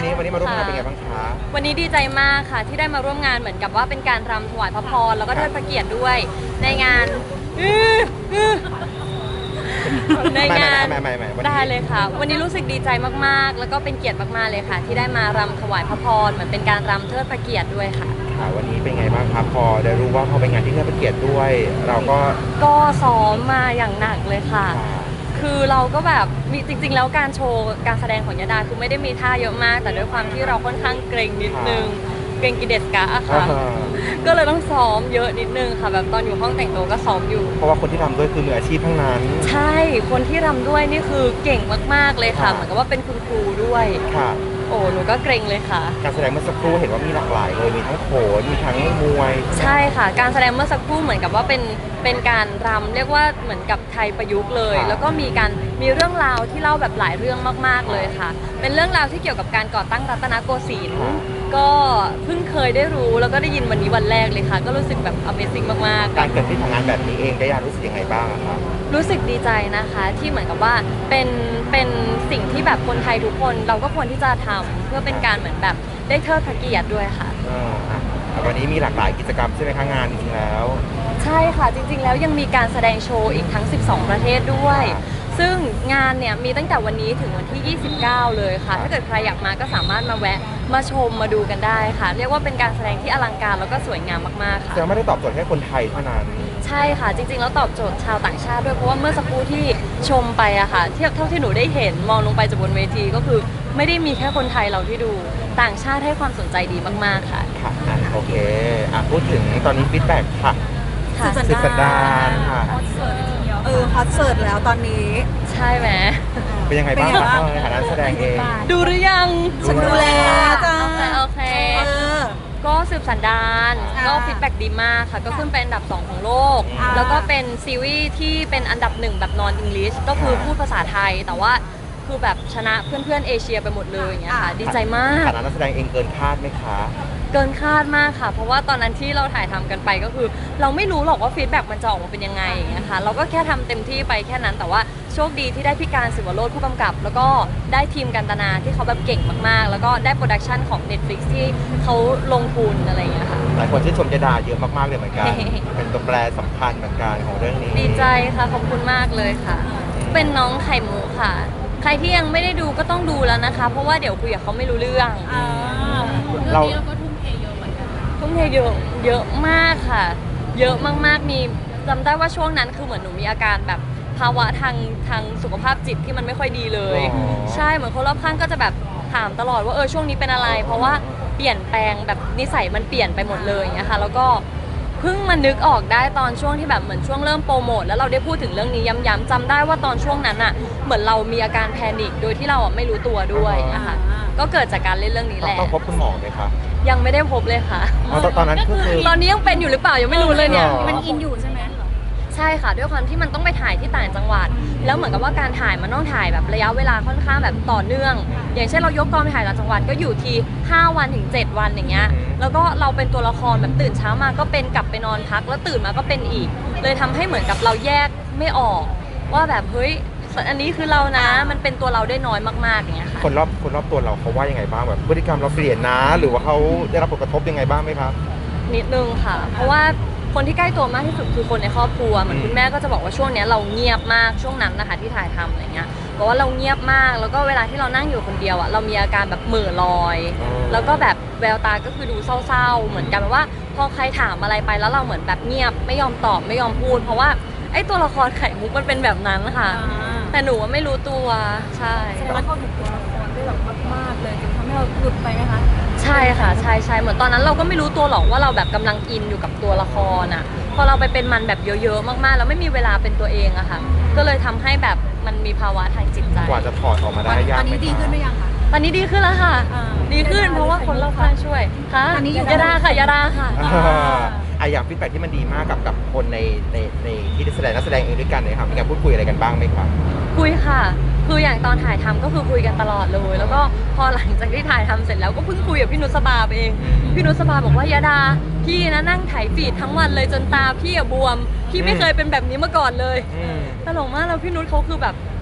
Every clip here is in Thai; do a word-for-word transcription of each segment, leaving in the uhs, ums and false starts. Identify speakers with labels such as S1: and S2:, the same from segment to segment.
S1: นี้วันนี้มาร่วมงานเป็นไงบ้างคะ
S2: วันนี้ดีใจมากค่ะที่ได้มาร่วมงานเหมือนกับว่าเป็นการรำถวายพระพรแล้วก็เทิดพระเกียรติด้วยในงานในงานได้เลยค่ะวันนี้รู้สึกดีใจมากๆแล้วก็เป็นเกียรติมากๆเลยค่ะที่ได้มารำถวายพระพรเหมือนเป็นการรำเทิดพระเกียรติด้วยค่ะ
S1: ค่ะวันนี้เป็นไงบ้างครับพอได้รู้ว่าเขาเป็นงานที่เทิดพระเกียรติด้วยเราก็
S2: ก็ซ้อมมาอย่างหนักเลยค่ะคือเราก็แบบมีจริงๆแล้วการโชว์การแสดงของยดาคือไม่ได้มีท่าเยอะมากแต่ด้วยความที่เราค่อนข้างเกรงนิดนึงเกรงกิเดสกะค่ะก็เลยต้องซ้อมเยอะนิดนึงค่ะแบบตอนอยู่ห้องแต่งตัวก็ซ้อมอยู่
S1: เพราะว่าคนที่ทำด้วยคือมืออาชีพทั้งนั้น
S2: ใช่คนที่รำด้วยนี่คือเก่งมากๆเลยค่ะเหมือนกับว่าเป็นคุณครูด้วย
S1: ค่ะ
S2: โอ้หนูก็เกรงเลยค่ะ
S1: การแสดงเมื่อสักครู่เห็นว่ามีหลากหลายเลยมีทั้งโขนมีทั้งมวย
S2: ใช่ค่ะการแสดงเมื่อสักครู่เหมือนกับว่าเป็นเป็นการรำเรียกว่าเหมือนกับไทยประยุกต์เลยแล้วก็มีการมีเรื่องราวที่เล่าแบบหลายเรื่องมากๆเลยค่ะเป็นเรื่องราวที่เกี่ยวกับการก่อตั้งรัตนโกสินทร์ก็เพิ่งเคยได้รู้แล้วก็ได้ยินวันนี้วันแรกเลยค่ะก็รู้สึกแบบ Amazing มากๆ
S1: การเกิดที่ทำงานแบบนี้เองได้ยารู้สึกยังไงบ้างครับ
S2: รู้สึกดีใจนะคะที่เหมือนกับว่าเป็นเป็นสิ่งที่แบบคนไทยทุกคนเราก็ควรที่จะทำเพื่อเป็นการเหมือนแบบได้เทิดพระเกียรติด้วยค่ะ
S1: วันนี้มีหลากหลายกิจกรรมใช่ไหมคะงานจริงๆแล้ว
S2: ใช่ค่ะจริงๆแล้วยังมีการแสดงโชว์อีกทั้งสิบสองประเทศด้วยซึ่งงานเนี่ยมีตั้งแต่วันนี้ถึงวันที่ยี่สิบเก้าเลยค่ะถ้าเกิดใครอยากมาก็สามารถมาแวะมาชมมาดูกันได้ค่ะเรียกว่าเป็นการแสดงที่อลังการแล้วก็สวยงามมากๆค่ะ
S1: แต่ไม่ได้ตอบโจทย์แค่คนไทยเท่านั้น
S2: ใช่ค่ะจริงๆแล้วตอบโจทย์ชาวต่างชาติด้วยเพราะว่าเมื่อสักครู่ที่ชมไปอะค่ะเทียบเท่าที่หนูได้เห็นมองลงไปจากบนเวทีก็คือไม่ได้มีแค่คนไทยเราที่ดูต่างชาติให้ความสนใจดีมากๆค่ะ
S1: ค่ะโอเคอ่ะพูดถึงตอนนี้ฟีดแบ็กค่ะ
S3: สุดสัปดาห์
S1: ค่ะ
S3: เออฮอตเสิร์ตแล้วตอนนี้
S2: ใช่ไหม
S1: เป็นยังไงบ้างครับในฐานะแสดงเอง
S2: ดูหรือยัง
S3: ฉันดูแล้วจ้า
S2: โอเคก็สืบสันดานก็ฟีดแบ็กดีมากค่ะก็ขึ้นเป็นอันดับสองของโลกแล้วก็เป็นซีรีส์ที่เป็นอันดับหนึ่งแบบนอนอังกฤษก็คือพูดภาษาไทยแต่ว่าคือแบบชนะเพื่อนๆเอเชียไปหมดเลยอย่างเงี้ยค่ะดีใจมาก
S1: ฐานะนักแสดงเองเกินคาดไหมคะ
S2: เกินคาดมากค่ะเพราะว่าตอนนั้นที่เราถ่ายทำกันไปก็คือเราไม่รู้หรอกว่าฟีดแบ็กมันจะออกมาเป็นยังไงอย่างเงี้ยค่ะเราก็แค่ทำเต็มที่ไปแค่นั้นแต่ว่าโชคดีที่ได้พี่การศิวโรจน์ผู้กำกับแล้วก็ได้ทีมกันตนาที่เขาแบบเก่งมากๆแล้วก็ได้โปรดักชันของ Netflix ที่เขาลงทุนอะไรอย่างเงี้ยค่ะ
S1: หลายคนที่ชมยดาเยอะมากๆเลยเหมือนกันเป็นตัวแปรสำคัญเหมือนกันของเรื่องนี้
S2: ดีใจค่ะขอบคุณมากเลยค่ะเป็นน้องไข่มุกค่ะใครที่ยังไม่ได้ดูก็ต้องดูแล้วนะคะเพราะว่าเดี๋ยวคุยกับเขาไม่รู้เรื่อง
S3: เรา
S2: ทุ่มเทเยอะเยอะมากค่ะเยอะมากๆมีจำได้ว่าช่วงนั้นคือเหมือนหนูมีอาการแบบภาวะทางทางสุขภาพจิตที่มันไม่ค่อยดีเลยใช่เหมือนคนรอบข้างก็จะแบบถามตลอดว่าเออช่วงนี้เป็นอะไรเพราะว่าเปลี่ยนแปลงแบบนิสัยมันเปลี่ยนไปหมดเลยอย่างเงี้ยค่ะแล้วก็เพิ่งมานึกออกได้ตอนช่วงที่แบบเหมือนช่วงเริ่มโปรโมทแล้วเราได้พูดถึงเรื่องนี้ย้ำๆจำได้ว่าตอนช่วงนั้นอ่ะเหมือนเรามีอาการแพนิคโดยที่เราไม่รู้ตัวด้วยนะคะก็เกิดจากการเล่นเรื่องนี้แหละ
S1: ต้องพบคุณหมอไหมคะ
S2: ยังไม่ได้พบเลยค่ะ
S1: ตอนนั้นก็คือ
S2: ตอนนี้ยังเป็นอยู่หรือเปล่ายังไม่รู้เลยเนี่ย
S3: มันอินอยู่ใช่ไหม
S2: ใช่ค่ะด้วยความที่มันต้องไปถ่ายที่ต่างจังหวัดแล้วเหมือนกับว่าการถ่ายมันต้องถ่ายแบบระยะเวลาค่อนข้างแบบต่อเนื่องอย่างเช่นเรายกกองไปถ่ายต่างจังหวัดก็อยู่ที่ห้าวันถึงเจ็ดวันอย่างเงี้ยแล้วก็เราเป็นตัวละครแบบตื่นเช้ามาก็เป็นกลับไปนอนพักแล้วตื่นมาก็เป็นอีกเลยทำให้เหมือนกับเราแยกไม่ออกว่าแบบเฮ้ยอันนี้คือเรานะมันเป็นตัวเราได้น้อยมากๆอย่างเงี้ยค่ะ
S1: คนรอบคนรอบตัวเราเขาว่ายังไงบ้างแบบพฤติกรรมเราเปลี่ยนนะหรือว่าเขาได้รับผลกระทบยังไงบ้างไหมครับ
S2: นิดนึงค่ะเพราะว่าคนที่ใกล้ตัวมากที่สุดคือคนในครอบครัวเหมือนคุณแม่ก็จะบอกว่าช่วงนี้เราเงียบมากช่วงนั้นนะคะที่ถ่ายทำอะไรเงี้ยบอกว่าเราเงียบมากแล้วก็เวลาที่เรานั่งอยู่คนเดียวอ่ะเรามีอาการแบบเหม่อลอยแล้วก็แบบแววตาก็คือดูเศร้าๆเหมือนกันว่าพอใครถามอะไรไปแล้วเราเหมือนแบบเงียบไม่ยอมตอบไม่ยอมพูดเพราะว่าไอ้ตัวละครไข่มุกมันเป็นแบบนั้นค่ะแต่หนูว่าไม่รู้ตัวใช่
S3: แสดงว่าเขาถูกตัวละครได้แบบมากๆเลยจนทำให้เราหลุดไปไหมคะ
S2: ใช่ค่ะใช่ใช่เหมือนตอนนั้นเราก็ไม่รู้ตัวหรอกว่าเราแบบกำลังอินอยู่กับตัวละครอ่ะพอเราไปเป็นมันแบบเยอะๆมากๆแล้วไม่มีเวลาเป็นตัวเองอะค่ะก็เลยทำให้แบบมันมีภาวะทางจิตใจ
S1: กว่าจะถอดออกมาได้ยาก
S3: ตอนนี้ดีขึ้นไหมยังคะ
S2: ตอนนี้ดีขึ้นแล้วค่ะดีขึ้นเพราะว่าคนรอบข้างช่วยค่ะยาดาค่ะยาดาค่ะ
S1: ไออย่างฟีดแบ็กที่มันดีมากกับกับคนในในในที่แสดงนักแสดงเองด้วยกันเนี่ยครับมีการพูดคุยอะไรกันบ้างไหมครับ
S2: คุยค่ะคืออย่างตอนถ่ายทำก็คือคุยกันตลอดเลยแล้วก็พอหลังจากที่ถ่ายทำเสร็จแล้วก็เพิ่งคุยกับพี่นุชบาเองพี่นุชบาบอกว่ายาดาพี่นะนั่งถ่ายฟีดทั้งวันเลยจนตาพี่บวมพี่ไม่เคยเป็นแบบนี้มาก่อนเลยตลกมากแล้วพี่นุชเขาคือแบบ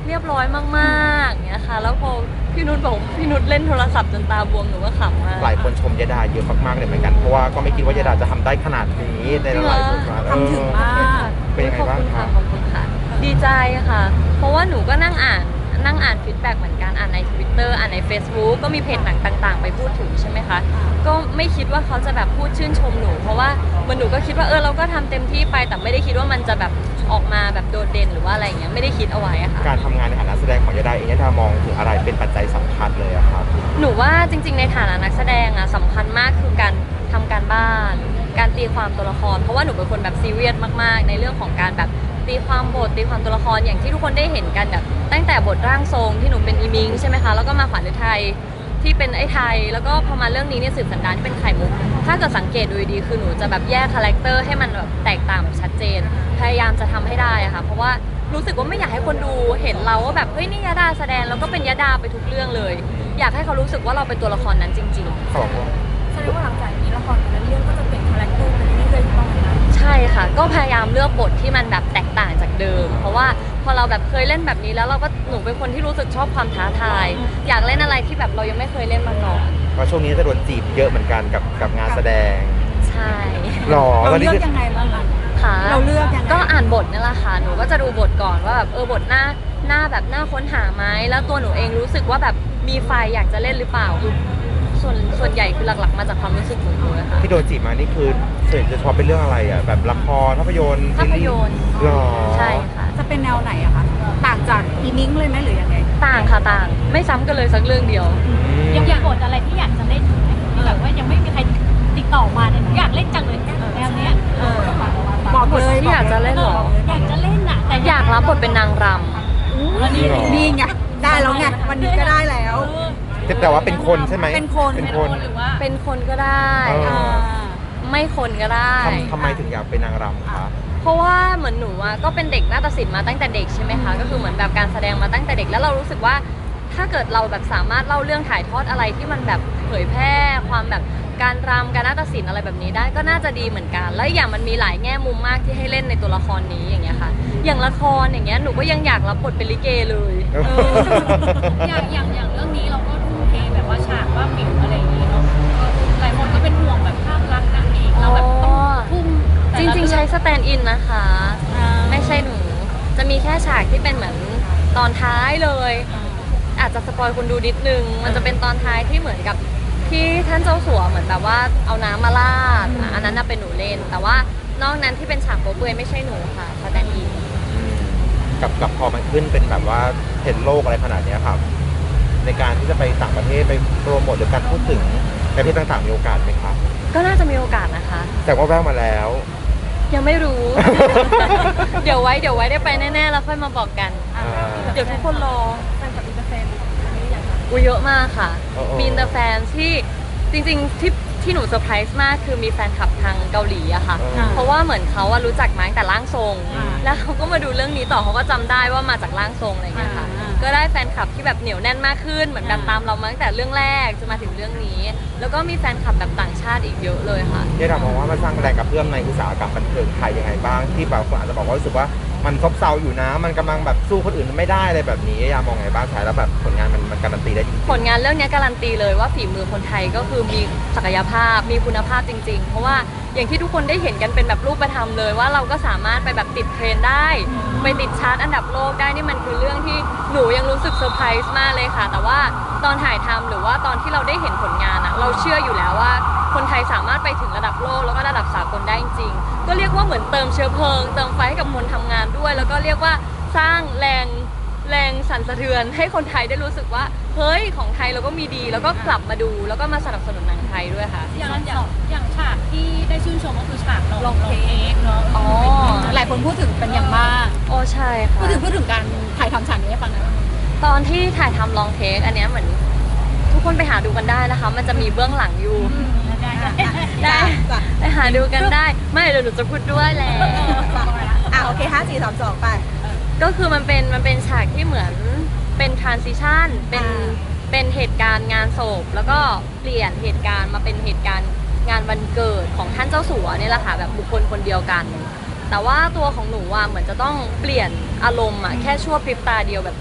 S2: เรียบร้อยมากๆเงี้ยค่ะแล้วพอพี่นุชบอกพี่นุชเล่นโทรศัพท์จนตาบวมหนูก็ขำมาก
S1: หลายคนชมยดาเยอะมากๆเลยเหมือนกันเพราะว่าก็ไม่คิดว่ายดาจะทำได้ขนาดนี้ในหลายๆบทบาท
S3: ทำถึงมาก
S1: เป็นยังไงบ้าง
S2: ขอบคุณ
S1: คะ
S2: ค่ะขอบคุณค่ะ ดีใจค่ะ เพราะว่าหนูก็นั่งอ่านนั่งอ่านฟีดแบ็กเหมือนกันอ่านใน Twitter อ่านใน Facebook ก็มีเพจหนังต่างๆ ไปพูดถึงใช่ไหมคะก็ไม่คิดว่าเขาจะแบบพูดชื่นชมหนู เพราะว่ามันหนูก็คิดว่าเออเราก็ทำเต็มที่ไปแต่ไม่ได้คิดว่ามันจะแบบออกมาแบบโดดเด่นหรือว่าอะไรเงี้ยไม่ได้คิดเอาไว้อะค่ะ
S1: การทำงานในฐานะแสดงของยดาเองยดามองถึงอะไรเป็นปัจจัยสำคัญเลยอะครับ
S2: หนูว่าจริงๆในฐานะนักแสดงอะสำคัญมากคือการทำการบ้าน การตีความตัวละคร เพราะว่าหนูเป็นคนแบบซีเรียสมากๆ ในเรื่องของการแบบตีความบทตีความตัวละครอย่างที่ทุกคนได้เห็นกันแบบตั้งแต่บทร่างทรงที่หนูเป็นอีมิงใช่ไหมคะแล้วก็มาขวัญฤทัยที่เป็นไอ้ไทย แล้วก็พอมาเรื่องนี้เนี่ยสืบสันดานที่เป็นไข่มุกถ้าเกิดสังเกตดูดีๆคือหนูจะแบบแยกคาแรคเตอร์ให้มันแบบแตกต่างแบบชัดเจน พยายามจะทำให้ได้อะค่ะเพราะว่ารู้สึกว่าไม่อยากให้คนดูเห็นเราว่าแบบเฮ้ยนี่ยดาแสดงแล้วก็เป็นยดาไปทุกเรื่องเลย อยากให้เขารู้สึกว่าเราเป็นตัวละครนั้นจริง ๆ
S1: เขาบอกว่า
S3: แสดงว่าหลังจากนี้ละครแต่ละเรื่องก็จะเปลี่ยนคาแรคเตอร์ไปเรื่อยๆต้องนะ
S2: ใช่ค่ะ ก็พยายามเลือกบทที่มันแบบแตกต่างจากเดิม เพราะว่าพอเราแบบเคยเล่นแบบนี้แล้วเราก็หนูเป็นคนที่รู้สึกชอบความท้าทาย อยากเล่นอะไรที่แบบเรายังไม่เคยเล่นมาก่อน
S1: เพราะช่วงนี้จะโดนจีบเยอะเหมือนกันกับกับงานแสดง
S2: ใช่
S1: หรอ
S3: เรา
S1: ตอนนี้
S3: เลือก
S1: คือ
S3: ยังไงบ้างอะ
S2: ค่ะ
S3: เราเลือกยังไง
S2: ก็อ่านบทนี่แหละค่ะ หนูก็จะดูบทก่อนว่าแบบเออบทหน้าหน้าแบบหน้าค้นหาไหมแล้วตัวหนูเองรู้สึกว่าแบบมีไฟอยากจะเล่นหรือเปล่าคือส่วนส่วนใหญ่คือหลักๆ มาจากความรู้สึกของหนูเลยค่ะ
S1: ที่โดนจีบมานี่คือส่วนใหญ่จะชอบเป็นเรื่องอะไรอ่ะแบบละครภาพยนตร์
S2: ภาพยนตร์
S1: หรอ
S2: ใช่ค่ะ
S3: จะเป็นแนวไหนอะคะต่างจากอีมิงเลยไหมหรือยังไง
S2: ต่างค่ะต่าง ไม่ซ้ำกันเลยสักเรื่องเดียว
S1: อืม
S4: ยังมีบทอะไรที่อยากจะเล่นอยู่ไหมที่แบบว่ายังไม่มีใครติดต่อมาเนี่ยหนูอยากเล่นจังเลยแนวเนี้ย
S3: เออบอกเลย
S2: ที่อยากจะเล่นเหรอ
S4: อยากจะเล่นน่ะแต่
S2: อยากรับบทเป็นนางร
S4: แล้วนี่
S1: หรอ
S3: นี่ไงได้แล้วไงวันนี้ก็ได้แล้ว
S1: แต่ว่าเป็นคนใช่ไหม
S3: เป็นคน
S1: เป็นคน
S4: หรือว่า
S2: ำเป็นคนก็ได้
S1: เออ
S3: อ่า
S2: ไม่คนก็ได้
S1: ทำทำไมถึงอยากเป็นนางรำคะ
S2: เพราะว่าเหมือนหนูอะก็เป็นเด็กนาฏศิลป์มาตั้งแต่เด็กใช่ไหมคะ ก็คือเหมือนแบบการแสดงมาตั้งแต่เด็กแล้วเรารู้สึกว่า ถ้าเกิดเราแบบสามารถเล่าเรื่องถ่ายทอดอะไรที่มันแบบเผยแพร่ความแบบการรำการนาฏศิลป์อะไรแบบนี้ได้ก็น่าจะดีเหมือนกัน แล้วอย่างมันมีหลายแง่มุมมากที่ให้เล่นในตัวละครนี้อย่างเงี้ยค่ะ อย่างละครอย่างเงี้ยหนูก็ยังอยากรับบทเป็นลิเกเลย
S1: เออ
S4: อย่างอย่างอย่างเรื่องนี้เราก็ทุ่มเทแบบว่าฉากว่าหมิวอะไรอย่างงี้เนาะก็หลายคนก็เป็นห่วงแบบภาพลักษณ์นางเอกเราแบบต้องทุ่ม
S2: จริงๆ ใช้สแตนด์อินนะคะ
S3: อ่า
S2: ไม่ใช่หนู จะมีแค่ฉากที่เป็นเหมือนตอนท้ายเลย อาจจะสปอยคนดูนิดนึง มันจะเป็นตอนท้ายที่เหมือนกับที่ท่านเจ้าสัวเหมือนแบบว่าเอาน้ำมาราดอ่ะอันนั้นน่ะเป็นหนูเล่น แต่ว่านอกนั้นที่เป็นฉากโป๊เปลือยไม่ใช่หนูค่ะสแตนด์อิน
S1: กับกับพอมันขึ้นเป็นแบบว่าเห็นโลกอะไรขนาดเนี้ยครับ ในการที่จะไปต่างประเทศไปโปรโมทหรือการพูดถึงประเทศต่างๆมีโอกาสไหมครับ
S2: ก็น่าจะมีโอกาสนะคะ
S1: แต่ว่าแววมาแล้ว
S2: ยังไม่รู้ เดี๋ยวไว้เดี๋ยวไว้ได้ไปแน่ๆแล้วค่อยมาบอกกัน
S1: อ่า
S2: เดี๋ยวทุกคนรอ
S3: แฟนกับอินเตอร์แฟนอันนี้อย่างไร
S2: อุยเยอะมากค่ะ
S1: โอ้โอ้
S2: มีอินเตอร์แฟนที่จริงๆที่ที่หนูเซอร์ไพรส์มากคือมีแฟนคลับทางเกาหลีอะค่ะ
S1: อ่า
S2: เพราะว่าเหมือนเขาอะรู้จักมาตั้งแต่ร่างทรง
S3: อ่า
S2: แล้วเขาก็มาดูเรื่องนี้ต่อเขาก็จำได้ว่ามาจากร่างทรงอะไรอย่างเงี้ยค่ะ
S3: อ่า
S2: ก็ได้แฟนคลับที่แบบเหนียวแน่นมากขึ้น เหมือนแบบ
S3: อ่า
S2: ตามเรามาตั้งแต่เรื่องแรกจนมาถึงเรื่องนี้ แล้วก็มีแฟนคลับแบบต่างชาติอีกเยอะเลยค่ะ
S1: ที่เรามองว่ามันสร้างแรงกระเพื่อมในอุตสาหกรรมบันเทิงไทยยังไงบ้างที่บางคนอาจจะบอกว่ารู้สึกว่ามันซบเซาอยู่นะ มันกำลังแบบสู้คนอื่นไม่ได้อะไรแบบนี้ยามองไงบ้างใช้แล้วแบบผลงานมันมันการันตีได้จริง
S2: ผลงานเรื่องนี้การันตีเลยว่าฝีมือคนไทยก็คือมีศักยภาพ มีคุณภาพจริง ๆ เพราะว่าอย่างที่ทุกคนได้เห็นกันเป็นแบบรูปธรรมเลยว่าเราก็สามารถไปแบบติดเทรนด์ได้ ไปติดชาร์ตอันดับโลกได้นี่มันคือเรื่องที่หนูยังรู้สึกเซอร์ไพรส์มากเลยค่ะ แต่ว่าตอนถ่ายทำหรือว่าตอนที่เราได้เห็นผลงานอะเราเชื่ออยู่แล้วว่าคนไทยสามารถไปถึงระดับโลกแล้วก็ระดับสากลได้จริงๆก็เรียกว่าเหมือนเติมเชื้อเพลิงเติมไฟให้กับคนทำงานด้วย แล้วก็เรียกว่าสร้างแรงแรงสั่นสะเทือนให้คนไทยได้รู้สึกว่าเฮ้ยของไทยเราก็มีดีแล้วก็กลับมาดูแล้วก็มาสนับสนุนหนังไทยด้วยค่ะ
S4: อย่างอย่างอย่างฉากที่ได้ชื่นชมก็คือฉากลองลองเค้กเนาะ
S2: อ๋อ
S3: หลายคนพูดถึงเป็นอย่างมาก
S2: โอ้ใช่
S3: พู
S2: ค่ะ
S3: ดถึงพูดถึงการถ่ายทำฉากนี้ให้ฟังหน่อย
S2: ตอนที่ถ่ายทำลองเทคอันเนี้ยเหมือนทุกคนไปหาดูกันได้นะคะ มันจะมีเบื้องหลังอยู่
S4: ได้ได้
S2: ได้
S3: จ้ะ
S2: ไปหาดูกันได้ ไม่เดี๋ยวหนูจะพูดด้วยแหละ
S3: อ่ะโอเคห้าสี่สามสองไป
S2: ก็คือมันเป็นมันเป็นฉากที่เหมือนเป็น transition เป็น
S3: อ่า
S2: เป็นเหตุการณ์งานศพแล้วก็เปลี่ยนเหตุการณ์มาเป็นเหตุการณ์งานวันเกิดของท่านเจ้าสัวเนี่ยแหละค่ะแบบบุคคลคนเดียวกัน แต่ว่าตัวของหนูอ่ะเหมือนจะต้องเปลี่ยนอารมณ์อ่ะแค่ชั่วพริบตาเดียวแบบ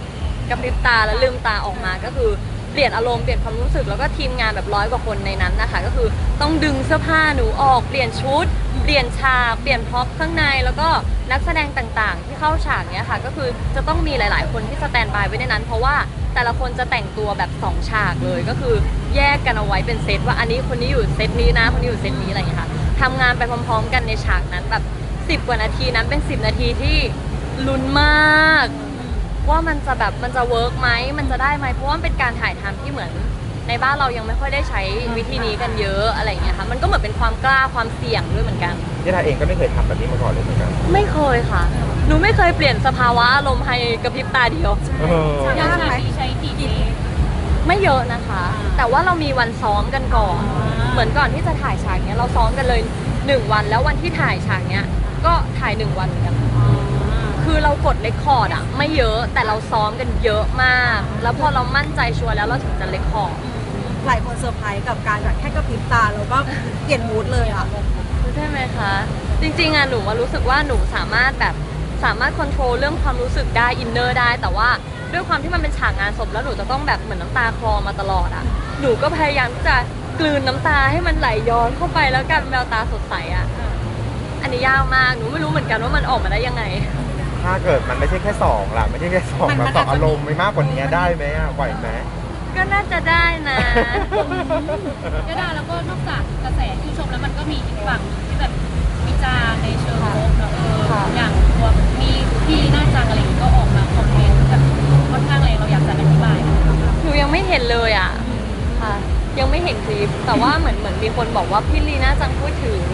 S2: กระพริบตาแล้วลืมตาออกมาก็คือเปลี่ยนอารมณ์เปลี่ยนความรู้สึกแล้วก็ทีมงานแบบร้อยกว่าคนในนั้นนะคะก็คือต้องดึงเสื้อผ้าหนูออกเปลี่ยนชุด เปลี่ยนฉากเปลี่ยนพร็อพข้างในแล้วก็นักแสดงต่างๆ ที่เข้าฉากเนี้ยค่ะก็คือจะต้องมีหลายๆ คนที่สแตนบายไว้ในนั้น เพราะว่าแต่ละคนจะแต่งตัวแบบสองฉากเลยก็คือแยกกันเอาไว้เป็นเซตว่าอันนี้คนนี้อยู่เซตนี้นะคนนี้อยู่เซตนี้อะไรอย่างเงี้ยค่ะทำงานไปพร้อมๆ กันในฉากนั้นแบบสิบกว่านาทีนั้นเป็นสิบนาทีที่ลุ้นมาก ว่ามันจะแบบมันจะเวิร์กไหมมันจะได้ไหมเพราะว่ามันเป็นการถ่ายทำที่เหมือนในบ้านเรายังไม่ค่อยได้ใช้วิธีนี้กันเยอะอะไรอย่างเงี้ยค่ะมันก็เหมือนเป็นความกล้าความเสี่ยงด้วยเหมือนกัน
S1: ยะดาเองก็ไม่เคยทำแบบนี้มาก่อนเลยเหมือนกัน
S2: ไม่เคยค่ะ หนูไม่เคยเปลี่ยนสภาวะอารมณ์ภายในกระพริบตาเดียว
S1: เออ
S4: ยากไหมใช้กี่เทค
S2: ไม่เยอะนะคะ แต่ว่าเรามีวันซ้อมกันก่อน
S4: อ่า
S2: เหมือนก่อนที่จะถ่ายฉากเนี้ยเราซ้อมกันเลยหนึ่งวันแล้ววันที่ถ่ายฉากเนี้ยก็ถ่ายหนึ่งวันเหมือนกัน คือเรากดเรคคอร์ดอะไม่เยอะแต่เราซ้อมกันเยอะมาก แล้วพอเรามั่นใจชัวร์แล้วเราถึงจะเรคคอร์ด
S3: หลายคนเซอร์ไพรส์กับการแบบแค่กระพริบตาแล้วก็เปลี่ยนมูดเลยอ่ะ
S2: ใช่ไหมคะ จริงๆอะหนูว่ารู้สึกว่าหนูสามารถแบบสามารถควบคุมเรื่องความรู้สึกได้อินเนอร์ได้ แต่ว่าด้วยความที่มันเป็นฉากงานศพแล้วหนูจะต้องแบบเหมือนน้ำตาคลอมาตลอดอะหนูก็พยายามที่จะกลืนน้ำตาให้มันไหลย้อนเข้าไปแล้วกลายเป็นแววตาสดใสอะอันนี้ยากมากหนูไม่รู้เหมือนกันว่ามันออกมาได้ยังไง
S1: ถ้าเกิดมันไม่ใช่แค่สองล่ะไม่ใช่แค่สอง
S3: มัน
S1: มา
S3: มัน
S1: สอง
S3: อาจจะ
S1: อารมณ์ไม่มากกว่านี้ได้ไหมอ่ะไหวไหม
S2: ก็น่าจะได้นะ
S4: ยะดาแล้วก็นอกจากกระแสที่ชมแล้วมันก็มีอีกฝั่งที่แบบวิจารณ์ในเชิงลบเนอะเออ
S2: ค่ะ
S4: อย่างตัวมีพี่หน้าจังอะไรอย่างงี้ก็ออกมาคอมเมนต์แบบค่อนข้างแรงเราอยากจะอธิบายนะคะ
S2: หนูยังไม่เห็นเลยอ่ะค่ะ ยังไม่เห็นคลิป แต่ว่าเหมือนเหมือนมีคนบอกว่าพี่ลีน่าจังพูดถึง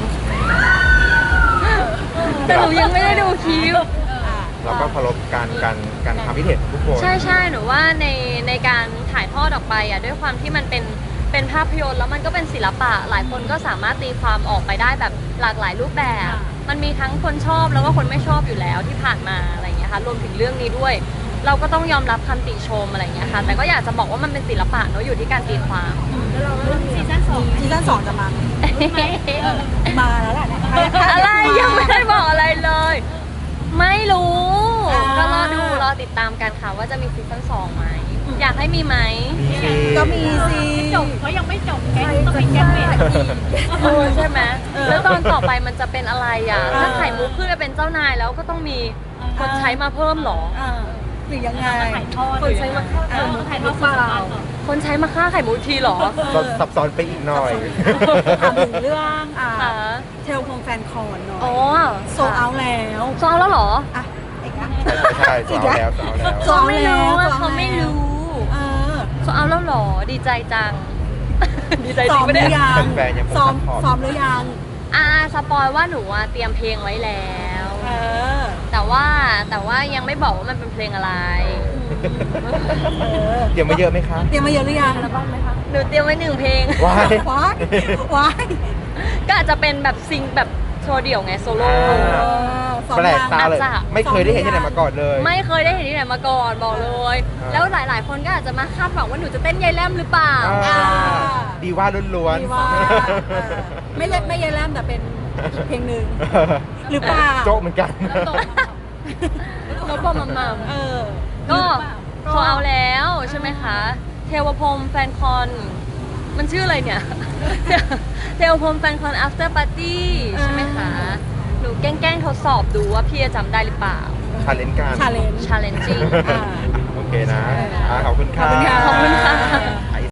S2: แต่หนูยังไม่ได้ดูคลิป
S1: เราก็เคารพการการการทำพิเศษของทุกคน
S2: ใช่ใช่หนูว่าในในการถ่ายทอดออกไปอ่ะด้วยความที่มันเป็นเป็นภาพยนตร์แล้วมันก็เป็นศิลปะ หลายคนก็สามารถตีความออกไปได้แบบหลากหลายรูปแบบ มันมีทั้งคนชอบแล้วก็คนไม่ชอบอยู่แล้วที่ผ่านมาอะไรอย่างเงี้ยค่ะรวมถึงเรื่องนี้ด้วย เราก็ต้องยอมรับคำติชมอะไรอย่างเงี้ยค่ะแต่ก็อยากจะบอกว่ามันเป็นศิลปะเนอะอยู่ที่การตีความ
S4: ซีซั่นสอง
S3: ซีซั่นสองจะมาไหมมาแล้วแหละเนี่ย
S2: อะไรยังไม่ได้บอกอะไรเลย ไม่รู้
S3: อ่า
S2: ก็รอดูรอติดตามกันค่ะว่าจะมีซีซั่นสองไหมอยากให้มีไหม
S1: มีสิ
S3: ก็มีสิ
S4: จบเขายังไม่จบแก๊งต้องเป็นแก๊งเมท
S2: เออใช่ไหม
S3: เออ
S2: แล้วตอนต่อไปมันจะเป็นอะไรอ่ะ
S3: เออ
S2: ถ้าไข่มุกขึ้นไปเป็นเจ้านายแล้วก็ต้องมีคนใช้มาเพิ่มเหรอ
S3: อ่าหรือยังไง
S4: ถ่ายทอด
S3: คนใช้มา
S4: เออถ่ายทอดสดๆเหรอ
S2: คนใช้มาฆ่าไข่มุกทีเหรอ
S1: ซับซับซ้อนไปอีกหน่อย
S3: ถามถึงเรื่องอ่า
S2: ค่ะ
S3: เทลคงแฟนคอนหน่อย
S2: อ๋อ
S3: โซเอาแล้ว
S2: โซเอาแล้วเหรอ
S3: อ่ะอีกนะ
S1: ใช่ใช่ใช่เอาแล้วเอาแล้ว
S3: โซ
S2: เขา
S3: เอา
S2: ไม่
S3: แล้ว
S2: รู้อะ
S3: โซ
S2: เขาไม่รู้
S3: เออ
S2: โซเอาแล้วเหรอ ดีใจจัง ดีใจจ
S3: ซ้
S2: ริ
S3: อง ม
S2: ปะ
S3: ห
S2: เนี่
S3: รื
S2: ย
S3: อยัง
S1: แฟนๆยังคง
S3: ซ้อม
S1: ซัพพอร์ต
S3: ซ้อมหรือยัง
S2: อ่าสปอยว่าหนูอะเตรียมเพลงไว้แล้ว
S3: เออ
S2: แต่ว่าแต่ว่ายังไม่บอกว่ามันเป็นเพลงอะไร
S3: เออ
S1: เตรียมมาเยอะไหมคะ
S3: เตรียมมาเยอะหรือยัง
S2: หนูเตรียมไว้หนึ่งเพลง
S1: ว้าย
S3: ว้ายว้าย
S2: ก็อาจจะเป็นแบบซิงแบบโชว์เดี่ยวไงโซโล่
S1: อ่า
S3: เออซ้อม
S1: แปลก
S3: ยัง
S1: ตาเลย
S2: อาจจะ
S1: ไม่เคยได้เห็นที่ไหนมาก่อนเลย
S2: ไม่เคยได้เห็นที่ไหนมาก่อนบอกเลย
S1: อ่า
S2: แล้วหลาย ๆ คนก็อาจจะมาคาดหวังว่าหนูจะเต้นยายแลมหรือเปล่า
S1: อ่าดีว่าล้วน
S3: ดีว่าเออไม่เล่นไม่เยแลมแต่เป็นอีกเพลงหนึ่ง หรือเปล่า
S1: โจ๊กเหมือนกัน
S4: แล้วตก
S2: นกปอมมัม
S3: เออ
S2: ก็โชว์เอาแล้วใช่ไหมคะ เทวพรหมแฟนคอน มันชื่ออะไรเนี่ย เทวพรหมแฟนคอน after party ใช่ไหมคะ หนูแกล้งๆทดสอบดูว่าพี่จะจำได้หรือเปล่า
S1: ชาเลนจ์กัน
S3: ชาเลนจ์
S2: challenging
S3: อ่า
S1: โอเคนะอ่าขอบคุณค่ะ
S3: ขอบคุณค่ะ
S2: ขอบคุณค่ะ